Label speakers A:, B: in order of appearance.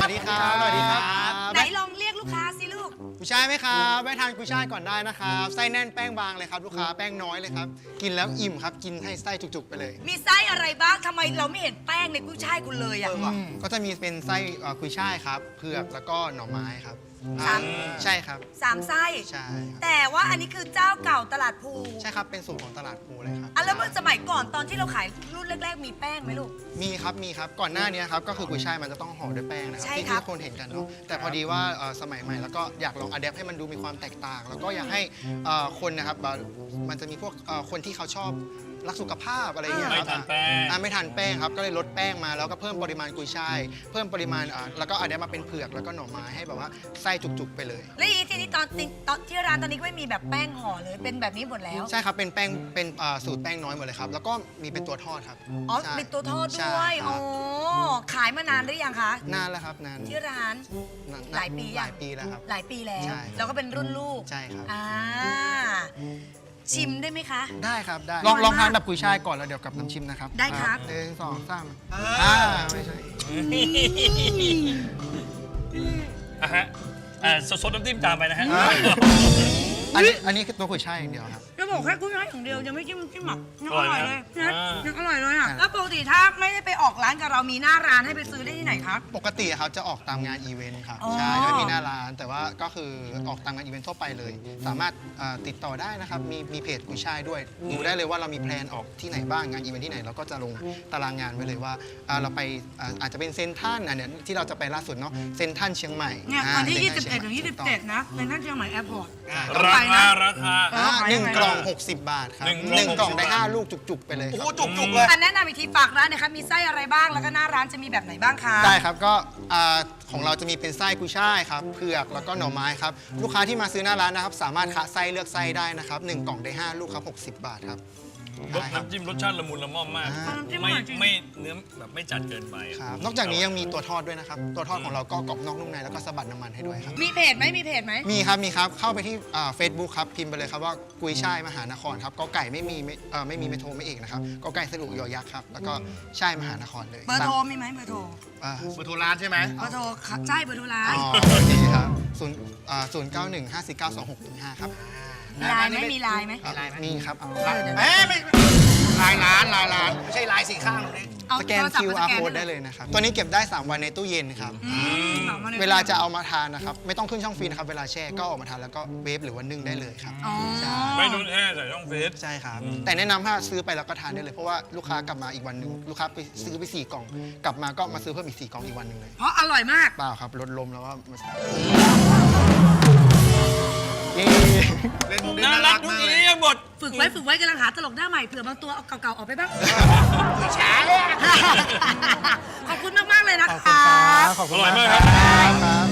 A: วัสดีครับสวัสดีครับ
B: ไหนลองเรียกลูกค้าสิลูก
A: กุยช่ายไหมครับแวะทานกุยช่ายก่อนได้นะครับไส้แน่นแป้งบางเลยครับลูกค้าแป้งน้อยเลยครับกินแล้วอิ่มครับกินให้ไส้จุกๆไปเลย
B: มีไส้อะไรบ้างทำไมเราไม่เห็นแป้งในกุ้ยช่ายคุณเลยอ่ะ
A: ก็จะมีเป็นไส้กุยช่ายครับเผือกแล้วก็หน่อไม้ครับ
B: สาม
A: ใช่ครับ
B: 3 ไส้
A: ใช่ครับ
B: แต่ว่าอันนี้คือเจ้าเก่าตลาดภู
A: ใช่ครับเป็นสูตรของตลาดภูเลยครับ
B: อ่ะแล้วเมื่อสมัยก่อนตอนที่เราขายรุ่นแรกๆมีแป้งไหมลูก
A: มีครับก่อนหน้านี้ครับก็คือกุยช่ายมันจะต้องห่อด้วยแป้งนะครั
B: ใช่
A: ที่
B: ครับ
A: ที่คนเห็นกันเนาะแต่พอดีว่าสมัยใหม่แล้วก็อยากลองอะแดปให้มันดูมีความแตกต่าง แล้วก็อยากให้คนนะครับมันจะมีพวกคนที่เขาชอบรักสุขภาพอะไรอย่างเงี้ยครับ
C: ไม่ทานแป้ง
A: ไม่ทานแป้งครับก็เลยลดแป้งมาแล้วก็เพิ่มปริมาณกุยช่ายเพิ่มปริมาณแล้วก็อะแดปมาเป็นเผือกแล้วก็หน่อไม้ให้แบบว่าไส้จุกๆไปเลย
B: แล้วอีทีนี้ตอนที่ร้านตอนนี้ก็ไม่มีแบบแป้งห่อเลยเป็นแบบนี้หมดแล้ว
A: ใช่ครับเป็นแป้งเป็นสูตรแป้งน้อยหมดเลยครับแล้วก็มีเป็นตัวทอดครับ
B: อ๋อ
A: ใช่
B: เป็นตัวทอด
A: ใช่
B: ด้วย
A: ครั
B: อ๋
A: บ
B: อขายมานานหรือยังคะ
A: นานแล้วครับนาน
B: ที่ร้าน
A: นาน
B: หลายปี
A: หลายปีแล้วครับ
B: หลายปีแล้ว
A: ใช่
B: แล้วก็เป็นรุ่นลูก
A: ใช่ครับ
B: ชิมได้ไหมคะ
A: ได้ครับได้
B: อร่อย
A: ลองทาน
B: มาก
A: แบบกุยช่ายก่อนแล้วเดี๋ยวกับน้ำชิมนะครับ
B: ได้ครับ
A: หนึ่งสองสามไม่ใช่
C: อ่ะฮะสดน้ำจิ้มตามไปนะฮะ
A: อันนี้คือตัวกุยช่ายอย่างเดียวครับ
B: จะบอกแค่กุ้งน้อยอย่างเดียวยังไม่จิ้มหมักยัง
C: อ
B: อ
C: ร่
B: ร่
C: อ
B: อย ย
C: ไหม
B: เลยนะ
C: อ่ายั
B: ยังอร่อยเลยอ่ะ
A: ครับ
B: แล้วปกติถ้าไม่ได้ไปออกร้านกับเรามีหน้าร้านให้ไปซื้อได้ที่ไหนครับ
A: ปกติเขาจะออกตามงานอีเวนต์ครับ
B: อ๋อ
A: ใช่จะไม่มีหน้าร้านแต่ว่าก็คือออกตามงานอีเวนต์ทั่วไปเลย สามารถติดต่อได้นะครับมีเพจกุยช่ายด้วยดูได้เลยว่าเรามีแพลนออกที่ไหนบ้างงานอีเวนต์ที่ไหนเราก็จะลงตารางงานไว้เลยว่าเราไปอาจจะเป็นเซนทรัลอันเนี้ยที่เราจะไปล่าสุดเนาะเซนทรัลเชียงใหม่
B: เนี่ยวันที่
A: เซ็นทรัล
B: 21 ถึง
A: เชียใหม่
B: 27 นะเป็นท่านเชียงใหม่แอร์พอร์ต
C: ราคา
A: หนึ่งกล่อง 60 บาทครับ
C: หนึ่
A: หนึ่
C: ง
A: ง
C: ก
A: ก
C: ล่
A: ล่
C: อ
A: อง งได้ 5 ลูกจุกๆ ไปเลยครับ
D: จุกๆเลย
B: อันแนะนำอีกทีฝากร้านนะคะมีไส้อะไรบ้างแล้วก็หน้าร้านจะมีแบบไหนบ้างคะ
A: ได้ครับก็ของเราจะมีเป็นไส้กุยช่ายครับเผือกแล้วก็หน่อไม้ครับลูกค้าที่มาซื้อหน้าร้านนะครับสามารถคะไส้เลือกไส้ได้นะครับ1กล่องได้ 5 ลูกครับ60 บาทครับ
C: รส
A: ได้ครับ
C: น้ำจิ้มรสชาติละมุนละม่อมมาก
B: น้ำจิ้มอ
C: ไม่
B: ร่อยจริง
C: ไม่เนื้อแบบไม่จัดเกินไป
A: ครับนอกจากนี้ยังมีตัวทอดด้วยนะครับตัวทอดของเราก็กรอบนอกนุ่มในแล้วก็สะบัดน้ำมันให้ด้วยครับ
B: มีเพจไหมมีเพจไหม
A: มีครับเข้าไปที่เฟซบุ๊กครับพิมพ์ไปเลยครับว่ากุยช่ายมหานครครับก็ไก่ไม่มีไม่โทรไม่เอกนะครับก็ไก่สรุยอยักษ์ครับแล้วก็ช่ายมหานครเลย
B: เบอร์โทรมีไหมเบอร์โทร
A: อ่า
D: เบอร์โทรร้านใช่ไหม
B: เบอร์โทรใช่เบอร์โทรร้าน
A: อ๋อโอเคครับ091-549-2615ครับ
B: มีไลน์ไหมมีไลน์ไหม
A: มีครับ
D: ไม่ลายร้านไม่ใช่ลายสีข้างหรอกนี่
B: เอา
A: สแกน
B: โทรศัพท์
A: QR
B: มาสแกน
A: code ได้เลยนะครับ ตัวนี้เก็บได้ 3 วันในตู้เย็นครับ
B: สองวันย
A: เวลาจะเอามาทานนะครับ ไม่ต้องขึ้นช่องฟรีนะครับ เวลาแช่ก็ออกมาทานแล้วก็เวฟหรือว่านึ่งได้เลยครับ
B: อ๋อ
A: ใช่
C: ไม่ต้องแช่ใส่ช่องเฟซ
A: ใช่ครับ แต่แนะนำถ้าซื้อไปแล้วก็ทานได้เลย เพราะว่าลูกค้ากลับมาอีกวันหนึ่งลูกค้าไปซื้อไป4 กล่อง กลับมาก็มาซื้อเพิ่มอีก4 กล่องอีกวันหนึ่งเลย
B: เพราะอร่อยมาก
A: เปล่าครับลดลมแล้วว่ามา
D: เล่นมุกได้
C: น่า
D: น่า
C: รั
D: รั
C: ก
D: ก
C: ทุก
D: มาก
C: อี
D: เลย
C: เรียบท
B: ฝึกไว้กำลังหาตลกหน้าใหม่เผื่อบางตัวเอาเก่าๆออกไปบ้าง
D: ช้า
B: ขอบคุณมากๆเลยนะ
A: ขอบคุณ
B: คะ
A: ครับขอบคุณ
C: อร่อยมาก
A: ครับ